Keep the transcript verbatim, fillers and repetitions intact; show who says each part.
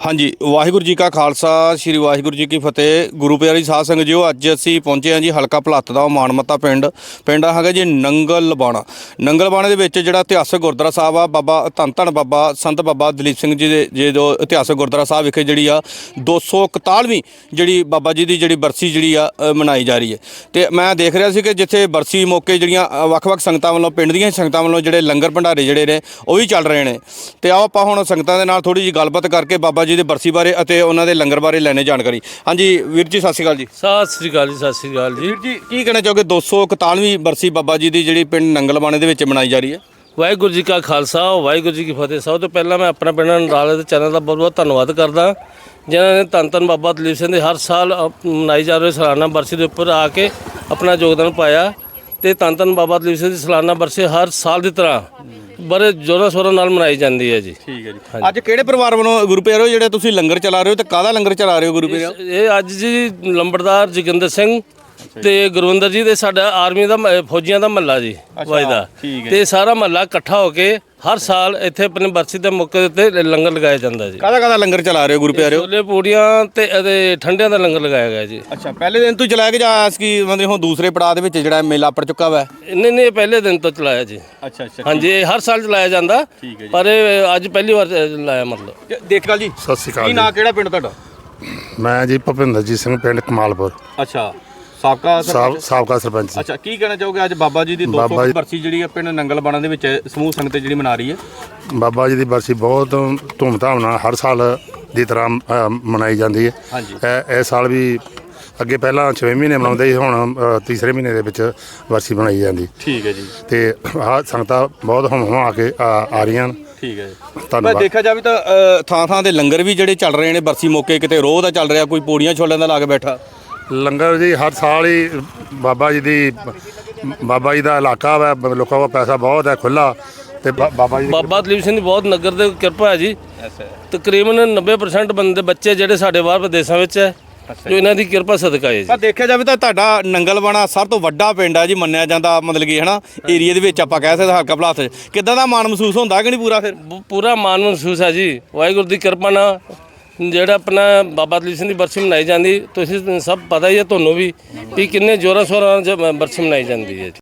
Speaker 1: हाँ जी, वाहिगुरू जी का खालसा श्री वाहिगुरू जी की फतेह। गुरु प्यारी साध संगत जीओ, अज असीं पहुंचे हाँ जी हलका भलੱਤ ਦਾ ਮਾਨਮੱਤਾ ਪਿੰਡ ਪਿੰਡ ਹੈਗਾ ਜੀ ਨੰਗਲ ਬਾਣਾ। ਨੰਗਲ ਬਾਣੇ ਦੇ ਵਿੱਚ ਜਿਹੜਾ ਇਤਿਹਾਸਕ ਗੁਰਦੁਆਰਾ ਸਾਹਿਬ ਆ, ਬਾਬਾ ਧੰਨ ਧੰਨ ਬਾਬਾ ਸੰਤ ਬਾਬਾ ਦਲੀਪ ਸਿੰਘ ਜੀ ਦੇ ਜੇ ਜੋ ਇਤਿਹਾਸਕ ਗੁਰਦੁਆਰਾ ਸਾਹਿਬ ਵਿਖੇ ਜਿਹੜੀ ਆ ਦੋ ਸੌ ਇਕਤਾਲੀਵੀਂ ਜਿਹੜੀ ਬਾਬਾ ਜੀ ਦੀ ਜਿਹੜੀ ਬਰਸੀ ਜਿਹੜੀ ਆ ਮਨਾਈ ਜਾ ਰਹੀ ਹੈ। ਤੇ ਮੈਂ ਦੇਖ ਰਿਹਾ ਸੀ ਕਿ ਜਿੱਥੇ ਬਰਸੀ ਮੌਕੇ ਜਿਹੜੀਆਂ ਵੱਖ-ਵੱਖ ਸੰਗਤਾਂ ਵੱਲੋਂ ਪਿੰਡ ਦੀਆਂ ਸੰਗਤਾਂ ਵੱਲੋਂ ਜਿਹੜੇ ਲੰਗਰ ਭੰਡਾਰੇ ਜਿਹੜੇ ਨੇ ਉਹ ਵੀ ਚੱਲ ਰਹੇ ਨੇ। ਤੇ ਆਓ ਆਪਾਂ ਹੁਣ ਸੰਗਤਾਂ ਦੇ ਨਾਲ ਥੋੜੀ ਜਿਹੀ ਗੱਲਬਾਤ ਕਰਕੇ ਬਾਬਾ ਜੀ ਦੇ ਬਰਸੀ ਬਾਰੇ ਅਤੇ ਉਹਨਾਂ ਦੇ ਲੰਗਰ ਬਾਰੇ ਲੈਣੇ ਜਾਣਕਾਰੀ। ਹਾਂਜੀ ਵੀਰ ਜੀ, ਸਤਿ ਸ਼੍ਰੀ ਅਕਾਲ ਜੀ।
Speaker 2: ਸਤਿ ਸ਼੍ਰੀ ਅਕਾਲ ਜੀ। ਸਤਿ ਸ਼੍ਰੀ ਅਕਾਲ ਜੀ।
Speaker 1: ਵੀਰ ਜੀ, ਕੀ ਕਹਿਣਾ ਚਾਹੋਗੇ ਦੋ ਸੌ ਇਕਤਾਲੀਵੀਂ ਬਰਸੀ ਬਾਬਾ ਜੀ ਦੀ ਜਿਹੜੀ ਪਿੰਡ ਨੰਗਲ ਬਾਣੇ ਦੇ ਵਿੱਚ ਮਨਾਈ ਜਾ ਰਹੀ ਹੈ?
Speaker 2: ਵਾਹਿਗੁਰੂ ਜੀ ਕਾ ਖਾਲਸਾ, ਵਾਹਿਗੁਰੂ ਜੀ ਕੀ ਫਤਿਹ। ਸਭ ਤੋਂ ਪਹਿਲਾਂ ਮੈਂ ਆਪਣਾ ਪਿੰਡ ਨਰਾਲੇ ਦੇ ਚੈਨਲ ਦਾ ਬਹੁਤ ਬਹੁਤ ਧੰਨਵਾਦ ਕਰਦਾ, ਜਿਨ੍ਹਾਂ ਨੇ ਧੰਨ ਧੰਨ ਬਾਬਾ ਦਲੀਪ ਸਿੰਘ ਦੇ ਹਰ ਸਾਲ ਮਨਾਈ ਜਾ ਰਹੀ ਸਾਲਾਨਾ ਬਰਸੀ ਦੇ ਉੱਪਰ ਆ ਕੇ ਆਪਣਾ ਯੋਗਦਾਨ ਪਾਇਆ। ਤੇ ਧੰਨ ਧੰਨ ਬਾਬਾ ਦਲੀਪ ਸਿੰਘ ਦੀ ਸਾਲਾਨਾ ਬਰਸੀ ਹਰ ਸਾਲ ਦੀ ਤਰ੍ਹਾਂ ਬੜੇ ਜ਼ੋਰਾਂ ਸ਼ੋਰਾਂ ਨਾਲ ਮਨਾਈ ਜਾਂਦੀ ਹੈ ਜੀ। ਠੀਕ ਹੈ ਜੀ। ਅੱਜ ਕਿਹੜੇ ਪਰਿਵਾਰ ਵੱਲੋਂ ਗੁਰੂ ਪਿਆਰੋ ਜਿਹੜੇ ਤੁਸੀਂ ਲੰਗਰ ਚਲਾ ਰਹੇ ਹੋ ਤੇ ਕਾਹਦਾ ਲੰਗਰ ਚਲਾ ਰਹੇ ਹੋ ਗੁਰੂ ਪਿਆਰੋ? ਇਹ ਅੱਜ ਜੀ ਲੰਬੜਦਾਰ ਜੋਗਿੰਦਰ ਸਿੰਘ ਤੇ ਗੁਰਵਿੰਦਰ ਜੀ ਦੇ ਸਾਡਾ ਆਰਮੀ ਦਾ ਫੌਜੀਆਂ ਦਾ ਮਹੱਲਾ ਜੀ ਵਜਦਾ, ਤੇ ਸਾਰਾ ਮਹੱਲਾ ਇਕੱਠਾ ਹੋ ਕੇ ਹਰ ਸਾਲ ਇੱਥੇ ਆਪਣੇ ਬਰਸੀ ਦੇ ਮੌਕੇ ਉੱਤੇ ਲੰਗਰ ਲਗਾਇਆ ਜਾਂਦਾ ਜੀ।
Speaker 1: ਕਾਹਦਾ ਕਾਹਦਾ ਲੰਗਰ ਚਲਾ ਰਹੇ ਹੋ ਗੁਰੂ ਪਿਆਰੋ?
Speaker 2: ਛੋਲੇ ਪੂੜੀਆਂ ਤੇ ਇਹਦੇ ਠੰਡਿਆਂ ਦਾ ਲੰਗਰ ਲਗਾਇਆ ਗਿਆ ਜੀ।
Speaker 1: ਅੱਛਾ, ਪਹਿਲੇ ਦਿਨ ਤੋਂ ਚਲਾਇਆ ਕਿ ਜਾਂ ਕਿ ਮਤਲਬ ਹੁਣ ਦੂਸਰੇ ਪੜਾਅ ਦੇ ਵਿੱਚ ਜਿਹੜਾ ਮੇਲਾ ਪੜ ਚੁੱਕਾ ਵਾ?
Speaker 2: ਨਹੀਂ ਨਹੀਂ, ਪਹਿਲੇ ਦਿਨ ਤੋਂ ਚਲਾਇਆ ਜੀ।
Speaker 1: ਅੱਛਾ ਅੱਛਾ,
Speaker 2: ਹਾਂਜੀ, ਇਹ ਹਰ ਸਾਲ ਚਲਾਇਆ ਜਾਂਦਾ, ਪਰ ਇਹ ਅੱਜ ਪਹਿਲੀ ਵਾਰ ਲਾਇਆ ਮਤਲਬ।
Speaker 1: ਦੇਖਾ ਜੀ,
Speaker 3: ਸਤਿ ਸ਼੍ਰੀ ਅਕਾਲ।
Speaker 1: ਕੀ ਨਾਂ ਕਿਹੜਾ ਪਿੰਡ ਤੁਹਾਡਾ?
Speaker 3: ਮੈਂ ਜੀ ਭੁਪਿੰਦਰਜੀਤ ਸਿੰਘ, ਪਿੰਡ ਕਮਾਲਪੁਰ।
Speaker 1: ਅੱਛਾ, ਸਾਬਕਾ
Speaker 3: ਸਾਬ ਸਾਬਕਾ ਸਰਪੰਚ।
Speaker 1: ਅੱਛਾ, ਕੀ ਕਹਿਣਾ ਚਾਹੋਗੇ ਅੱਜ ਬਾਬਾ ਜੀ ਦੀ ਦੋ ਸੌ ਬਰਸੀ ਜਿਹੜੀ ਹੈ ਪਿੰਡ ਨੰਗਲ ਬਾਣਾ ਦੇ ਵਿੱਚ ਸਮੂਹ ਸੰਗਤ ਜਿਹੜੀ ਮਨਾ ਰਹੀ ਹੈ?
Speaker 3: ਬਾਬਾ ਜੀ ਦੀ ਬਰਸੀ ਬਹੁਤ ਧੂਮਧਾਮ ਨਾਲ ਹਰ ਸਾਲ ਦੀ ਤਰ੍ਹਾਂ ਅ, ਮਨਾਈ ਜਾਂਦੀ ਹੈ। ਇਹ ਇਸ ਸਾਲ ਵੀ ਅੱਗੇ ਪਹਿਲਾਂ ਛੇਵੇਂ ਮਹੀਨੇ ਮਨਾਉਂਦੇ ਸੀ, ਹੁਣ ਅ, ਤੀਸਰੇ ਮਹੀਨੇ ਦੇ ਵਿੱਚ ਬਰਸੀ ਮਨਾਈ ਜਾਂਦੀ।
Speaker 1: ਠੀਕ ਹੈ ਜੀ।
Speaker 3: ਤੇ ਆਹ ਸੰਗਤਾਂ ਬਹੁਤ ਹਮ ਹਮ ਆ ਕੇ ਆ ਆ ਰਹੀਆਂ ਨੇ।
Speaker 1: ਠੀਕ ਹੈ, ਧੰਨਵਾਦ। ਦੇਖਿਆ ਜਾਵੇ ਤਾਂ ਥਾਂ ਥਾਂ ਦੇ ਲੰਗਰ ਵੀ ਜਿਹੜੇ ਚੱਲ ਰਹੇ ਨੇ ਬਰਸੀ ਮੌਕੇ, ਕਿਤੇ ਰੋਹ ਦਾ ਚੱਲ ਰਿਹਾ, ਕੋਈ ਪੂੜੀਆਂ ਛੋਲਿਆਂ ਦਾ ਲਾ ਕੇ ਬੈਠਾ
Speaker 3: ਲੰਗਰ ਜੀ। ਹਰ ਸਾਲ ਹੀ ਬਾਬਾ ਜੀ ਦੀ ਬਾਬਾ ਜੀ ਦਾ ਇਲਾਕਾ ਵਾ, ਲੋਕਾਂ ਕੋਲ ਪੈਸਾ ਬਹੁਤ ਹੈ ਖੁੱਲ੍ਹਾ, ਤੇ ਬਾਬਾ ਜੀ
Speaker 2: ਬਾਬਾ ਦਲੀਪ ਸਿੰਘ ਦੀ ਬਹੁਤ ਨਗਰ ਦੇ ਕਿਰਪਾ ਹੈ ਜੀ। ਤਕਰੀਬਨ ਨੱਬੇ ਪਰਸੈਂਟ ਬੰਦੇ ਬੱਚੇ ਜਿਹੜੇ ਸਾਡੇ ਬਾਹਰ ਵਿਦੇਸ਼ਾਂ ਵਿੱਚ ਹੈ, ਜੋ ਇਹਨਾਂ ਦੀ ਕਿਰਪਾ ਸਦਕਾ ਹੈ ਜੀ।
Speaker 1: ਪਰ ਦੇਖਿਆ ਜਾਵੇ ਤਾਂ ਤੁਹਾਡਾ ਨੰਗਲ ਬਾਣਾ ਸਭ ਤੋਂ ਵੱਡਾ ਪਿੰਡ ਹੈ ਜੀ ਮੰਨਿਆ ਜਾਂਦਾ, ਮਤਲਬ ਕਿ ਹੈ ਨਾ ਏਰੀਏ ਦੇ ਵਿੱਚ ਆਪਾਂ ਕਹਿ ਸਕਦੇ ਹਲਕਾ ਭਲੱਤ। ਕਿੱਦਾਂ ਦਾ ਮਾਣ ਮਹਿਸੂਸ ਹੁੰਦਾ ਕਿ ਨਹੀਂ ਪੂਰਾ? ਫਿਰ
Speaker 2: ਪੂਰਾ ਮਾਣ ਮਹਿਸੂਸ ਹੈ ਜੀ, ਵਾਹਿਗੁਰੂ ਦੀ ਕਿਰਪਾ ਨਾਲ ਜਿਹੜਾ ਆਪਣਾ ਬਾਬਾ ਦਲੀਪ ਸਿੰਘ ਦੀ ਬਰਸੀ ਮਨਾਈ ਜਾਂਦੀ। ਤੁਸੀਂ ਸਭ ਪਤਾ ਹੀ ਹੈ ਤੁਹਾਨੂੰ ਵੀ ਵੀ ਕਿੰਨੇ ਜ਼ੋਰਾਂ ਸ਼ੋਰਾਂ ਨਾਲ ਬਰਸੀ ਮਨਾਈ ਜਾਂਦੀ ਹੈ।